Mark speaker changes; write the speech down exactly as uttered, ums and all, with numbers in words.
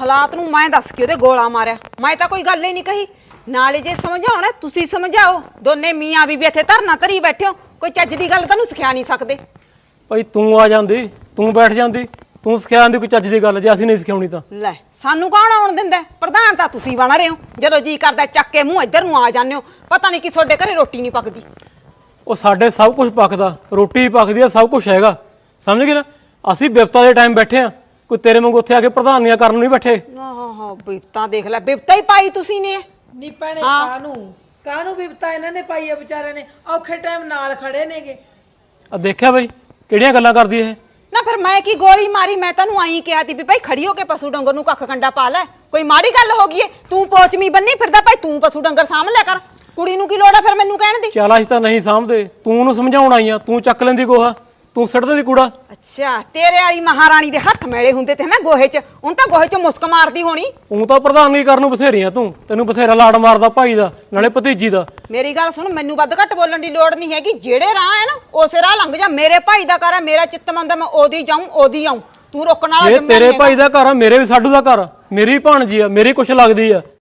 Speaker 1: ਹਾਲਾਤ ਨੂੰ ਮੈਂ ਦੱਸ ਕੇ ਉਹਦੇ ਗੋਲਾ ਮਾਰਿਆ। ਮੈਂ ਤਾਂ ਕੋਈ ਗੱਲ ਹੀ ਨਹੀਂ ਕਹੀ। ਨਾਲੇ ਜੇ ਸਮਝਾਉਣਾ ਤੁਸੀਂ ਸਮਝਾਓ। ਦੋਨੇ ਮੀਆਂ ਬੀਬੀ ਇੱਥੇ ਧਰਨਾ ਧਰੀ ਬੈਠੇ ਹੋ, ਕੋਈ ਚੱਜ ਦੀ ਗੱਲ ਤੁਹਾਨੂੰ ਸਿਖਾ ਨਹੀਂ ਸਕਦੇ।
Speaker 2: ਭਾਈ ਤੂੰ ਆ ਜਾਂਦੀ, ਤੂੰ ਬੈਠ ਜਾਂਦੀ, ਤੂੰ ਸਿਖਾ ਜਾਂਦੀ ਕੋਈ ਚੱਜ ਦੀ ਗੱਲ, ਜੇ ਅਸੀਂ ਨਹੀਂ ਸਿਖਾਉਣੀ ਤਾਂ।
Speaker 1: ਲੈ ਸਾਨੂੰ ਕੌਣ ਆਉਣ ਦਿੰਦਾ? ਪ੍ਰਧਾਨ ਤਾਂ ਤੁਸੀਂ ਬਣ ਰਹੇ ਹੋ। ਜਦੋਂ ਜੀ ਕਰਦਾ ਚੱਕ ਕੇ ਮੂੰਹ ਇੱਧਰ ਨੂੰ ਆ ਜਾਂਦੇ ਹੋ। ਪਤਾ ਨਹੀਂ ਕਿ ਤੁਹਾਡੇ ਘਰੇ ਰੋਟੀ ਨਹੀਂ ਪੱਕਦੀ।
Speaker 2: ਉਹ ਸਾਡੇ ਸਭ ਕੁਝ ਪੱਕਦਾ, ਰੋਟੀ ਪੱਕਦੀ ਆ, ਸਭ ਕੁਝ ਹੈਗਾ, ਸਮਝ ਗਏ ਨਾ। ਅਸੀਂ ਬਿਪਤਾ ਦੇ ਟਾਈਮ ਬੈਠੇ ਆ, ਕੋਈ ਤੇਰੇ ਵਾਂਗੂ ਉੱਥੇ ਆ ਕੇ ਪ੍ਰਧਾਨੀਆਂ ਕਰਨ ਨਹੀਂ ਬੈਠੇ।
Speaker 1: ਆਹ ਬਿਪਤਾ ਦੇਖ ਲੈ, ਬਿਪਤਾ ਹੀ ਪਾਈ ਤੁਸੀਂ ਨੇ।
Speaker 3: ਨੀ ਭੈਣੇ ਕਾਹਨੂੰ ਕਾਹਨੂੰ ਬਿਪਤਾ ਇਹਨਾਂ ਨੇ ਪਾਈ ਆ ਵਿਚਾਰਿਆਂ ਨੇ, ਔਖੇ ਟਾਈਮ ਨਾਲ ਖੜੇ ਨੇਗੇ।
Speaker 2: ਆ ਦੇਖਿਆ ਬਈ ਕਿਹੜੀਆਂ ਗੱਲਾਂ ਕਰਦੀ ਇਹ।
Speaker 1: ਨਾ ਫਿਰ ਮੈਂ ਕੀ ਗੋਲੀ ਮਾਰੀ? ਮੈਂ ਤੈਨੂੰ ਆਈ ਕਿਹਾ ਤੀ ਵੀ ਭਾਈ ਖੜੀ ਹੋ ਕੇ ਪਸ਼ੂ ਡੰਗਰ ਨੂੰ ਕੱਖ ਕੰਡਾ ਪਾ ਲੈ। ਕੋਈ ਮਾੜੀ ਗੱਲ ਹੋ ਗਈ ਏ? ਤੂੰ ਪੋਚਮੀ ਬੰਨੀ ਫਿਰਦਾ, ਭਾਈ ਤੂੰ ਪਸ਼ੂ ਡੰਗਰ ਸਾਂਭ ਲਿਆ ਕਰ। ਕੁੜੀ ਨੂੰ ਕੀ ਲੋੜ ਆ ਫਿਰ ਮੈਨੂੰ ਕਹਿਣ ਦੀ?
Speaker 2: ਚੱਲ ਅਸੀਂ ਤਾਂ ਨਹੀਂ ਸਾਂਭਦੇ, ਤੂੰ ਉਹਨੂੰ ਸਮਝਾਉਣ ਆਈ ਆ, ਤੂੰ ਚੱਕ ਲੈਂਦੀ ਗੋਹਾ, ਤੂੰ ਸਿੱਟ ਦਿੰਦੀ ਕੂੜਾ।
Speaker 1: ਅੱਛਾ ਤੇਰੇ ਵਾਲੀ ਮਹਾਰਾਣੀ ਦੇ ਹੱਥ ਮੈਲੇ ਹੁੰਦੇ ਤੇ ਨਾ ਗੋਹੇ 'ਚ, ਹੁਣ ਤਾਂ ਗੋਹੇ 'ਚ ਮੁਸਕ ਮਾਰਦੀ ਹੋਣੀ।
Speaker 2: ਤੂੰ ਤਾਂ ਪ੍ਰਧਾਨਗੀ ਕਰਨ ਨੂੰ ਬਥੇਰੀ ਆ, ਤੂੰ ਤੈਨੂੰ ਬਥੇਰਾ ਲਾੜ ਮਾਰਦਾ ਭਾਈ ਦਾ ਨਾਲੇ ਭਤੀਜੀ ਦਾ।
Speaker 1: ਮੇਰੀ ਗੱਲ ਸੁਣ, ਮੈਨੂੰ ਵੱਧ ਘੱਟ ਬੋਲਣ ਦੀ ਲੋੜ ਨਹੀਂ ਹੈਗੀ। ਜਿਹੜੇ ਰਾਹ ਹੈ ਨਾ ਉਸੇ ਰਾਹ ਲੰਘ ਜਾ। ਮੇਰੇ ਭਾਈ ਦਾ ਘਰ ਹੈ, ਮੇਰਾ ਚਿੱਤ ਮੰਨਦਾ ਮੈਂ ਉਹਦੀ ਜਾਊਂ ਉਹਦੀ ਆਊਂ। ਤੂੰ ਰੋਕਣ ਵਾਲਾ
Speaker 2: ਇਹ
Speaker 1: ਜ਼ਿੰਮਾ
Speaker 2: ਤੇਰੇ
Speaker 1: ਨਹੀਂ
Speaker 2: ਭਾਈ ਦਾ ਘਰ ਆ, ਮੇਰੇ ਵੀ ਸਾਡੂ ਦਾ ਘਰ, ਮੇਰੀ ਭਾਣਜੀ ਆ, ਮੇਰੀ ਕੁਛ ਲੱਗਦੀ ਆ।